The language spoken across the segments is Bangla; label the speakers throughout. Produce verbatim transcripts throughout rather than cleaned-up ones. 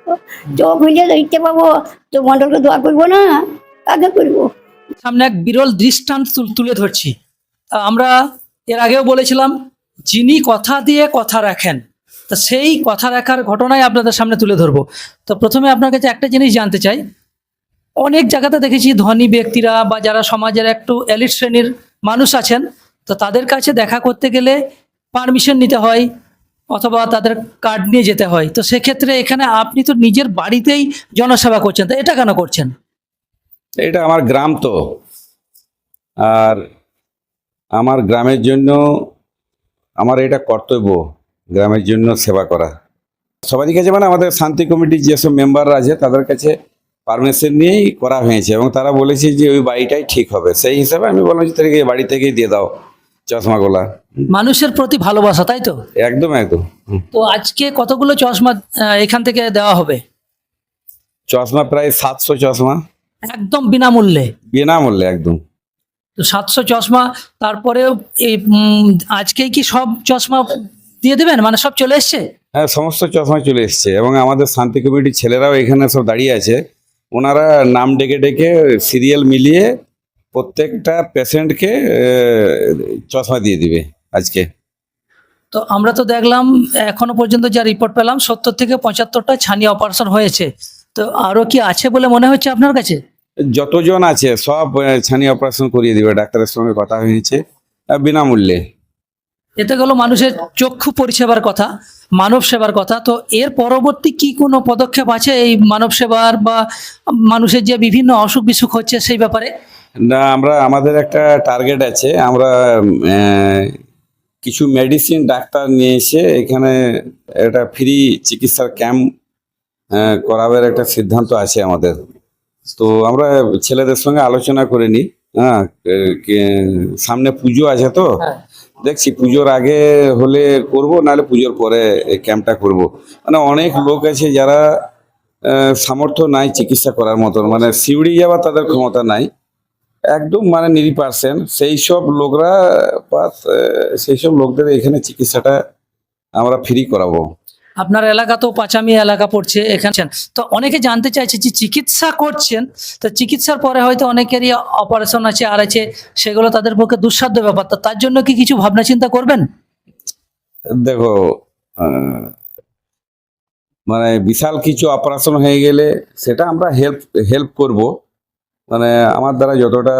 Speaker 1: চোখ হইলে দেখতে পাবো, তো মন্ডলকে দোয়া করবো না, কাকে করবো?
Speaker 2: সামনে এক বিরল দৃষ্টান্ত তুল- তুলে ধরছি। আহ, আমরা এর আগেও বলেছিলাম, যিনি কথা দিয়ে কথা রাখেন, তা সেই কথা রাখার ঘটনাই আপনাদের সামনে তুলে ধরবো। তো প্রথমে আপনার কাছে একটা জিনিস জানতে চাই, অনেক জায়গাতে দেখেছি ধনী ব্যক্তিরা বা যারা সমাজের একটু এলিট শ্রেণীর মানুষ আছেন, তো তাদের কাছে দেখা করতে গেলে পারমিশন নিতে হয় অথবা তাদের কার্ড নিয়ে যেতে হয়। তো সেক্ষেত্রে এখানে আপনি তো নিজের বাড়িতেই জনসেবা করছেন, তো এটা কেন করছেন?
Speaker 3: এটা আমার গ্রাম তো, আর আমার গ্রামের জন্য আমার এটা কর্তব্য, গ্রামের জন্য সেবা করা। সবারই কাছে মানে আমাদের শান্তি কমিটির যেসব মেম্বাররা আছে তাদের কাছে পারমিশন নিয়েই করা হয়েছে, এবং তারা বলেছে যে ওই বাড়িটাই ঠিক হবে। সেই হিসাবে আমি বললাম যে তাদেরকে এই বাড়ি থেকেই দিয়ে দাও চশমাগুলা।
Speaker 2: মানুষের প্রতি ভালোবাসা, তাই তো?
Speaker 3: একদম একদম হুম।
Speaker 2: তো আজকে কতগুলো চশমা আহ, এখান থেকে দেওয়া হবে?
Speaker 3: চশমা প্রায় সাতশো চশমা,
Speaker 2: একদম বিনামূল্যে।
Speaker 3: বিনামূল্যে একদম।
Speaker 2: তো সাতশো চশমা, তারপরেও এই উম, আজকেই কি সব চশমা দিয়ে দেবেন, মানে সব চলে এসছে?
Speaker 3: হ্যাঁ, সমস্ত চশমা চলে এসছে, এবং আমাদের শান্তি কমিটির ছেলেরাও এখানে সব দাঁড়িয়ে আছে। ওনারা নাম ডেকে ডেকে সিরিয়াল মিলিয়ে প্রত্যেকটা পেশেন্টকে চশমা দিয়ে দিবে আজকে।
Speaker 2: তো আমরা তো দেখলাম এখনো পর্যন্ত যা রিপোর্ট পেলাম, সত্তর থেকে পঁচাত্তরটা ছানিয়ে অপারেশন হয়েছে। তো আরো কি আছে বলে মনে হচ্ছে আপনার কাছে?
Speaker 3: যতজন আছে সব আহ, ছানি অপারেশন করিয়ে দিবে, ডাক্তারের সঙ্গে কথা হয়েছে, আহ, বিনামূল্যে।
Speaker 2: এতে গেল মানুষের চক্ষু পরিষেবার কথা, মানব সেবার কথা। তো এর পরবর্তী কি কোনো পদক্ষেপ আছে এই মানব সেবার বা মানুষের যে বিভিন্ন অসুখ বিসুখ হচ্ছে সেই ব্যাপারে?
Speaker 3: না, আমরা আমাদের একটা টার্গেট আছে, আমরা আহ, কিছু মেডিসিন ডাক্তার নিয়ে এসে এখানে একটা ফ্রি চিকিৎসার ক্যাম্প করাবার একটা সিদ্ধান্ত আছে আমাদের। তো আমরা ছেলেদের সঙ্গে আলোচনা করে নিই। হ্যাঁ, কে- কে- সামনে পুজো আছে তো, দেখছি পুজোর আগে হলে করব, নাহলে পুজোর পরে এই ক্যাম্পটা করব। মানে অনেক লোক আছে যারা আহ, সামর্থ্য নাই চিকিৎসা করার মতন, মানে সিউড়ি যাওয়ার তাদের ক্ষমতা নাই, একদম মানে নিরি পার্সেন্ট। সেই সব লোকরা পাস, সেই সব লোকদের এখানে চিকিৎসাটা আমরা ফ্রি করাবো।
Speaker 2: আপনার এলাকা তো পাঁচামি এলাকা পড়ছে এখানে। তো অনেকে জানতে চাইছে যে চিকিৎসা করছেন, তো চিকিৎসার পরে হয়তো অনেকেরই অপারেশন আছে আর আছে, সেগুলো তাদের পক্ষে দুঃসাধ্য ব্যাপার। তো তার জন্য কি কিছু ভাবনা চিন্তা করবেন?
Speaker 3: দেখো, আহ, মানে বিশাল কিছু অপারেশন হয়ে গেলে সেটা আমরা হেল্প হেল্প করব, মানে আমার দ্বারা যতটা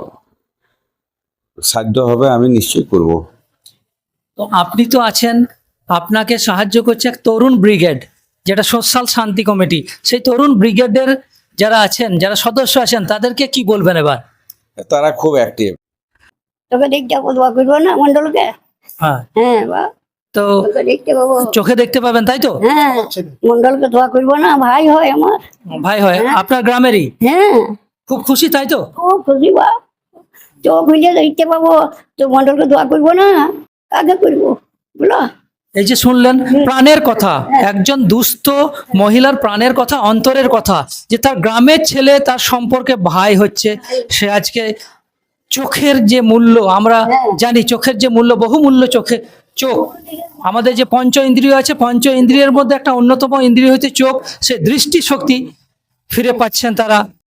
Speaker 3: সাধ্য হবে আমি নিশ্চয়ই করব।
Speaker 2: তো আপনি তো আছেন, আপনাকে সাহায্য করছে এক তরুণ ব্রিগেড, যেটা সোশ্যাল শান্তি কমিটি। সেই তরুণ ব্রিগেডের যারা আছেন, যারা সদস্য আছেন, তাদেরকে কি বলবেন এবার?
Speaker 3: তারা খুব অ্যাক্টিভ।
Speaker 1: তোকে দেখতে পাবো, দোয়া করবো না মন্ডলকে?
Speaker 2: হ্যাঁ,
Speaker 1: হ্যাঁ বা,
Speaker 2: তো
Speaker 1: তোকে দেখতে পাবো।
Speaker 2: চোখে দেখতে পাবেন, তাই তো?
Speaker 1: হ্যাঁ, মন্ডলকে দোয়া করবো না, ভাই হয় আমার।
Speaker 2: ভাই হয় আপনার গ্রামেরই?
Speaker 1: হ্যাঁ,
Speaker 2: খুব খুশি, তাই তো?
Speaker 1: খুব খুশি বা, চোখ হইলে দেখতে পাবো, তো মন্ডলকে দোয়া করবো না, কাকে করবো বলো?
Speaker 2: এই যে শুনলেন প্রাণের কথা, একজন দুস্থ মহিলার প্রাণের কথা, অন্তরের কথা, যে তার গ্রামের ছেলে তার সম্পর্কে ভাই হচ্ছে। সে আজকে চোখের যে মূল্য আমরা জানি, চোখের যে মূল্য, বহু মূল্য চোখে। চোখ আমাদের যে পঞ্চ ইন্দ্রিয় আছে, পঞ্চ ইন্দ্রিয়ের মধ্যে একটা অন্যতম ইন্দ্রিয় হচ্ছে চোখ। সে দৃষ্টি শক্তি ফিরে পাচ্ছেন তারা।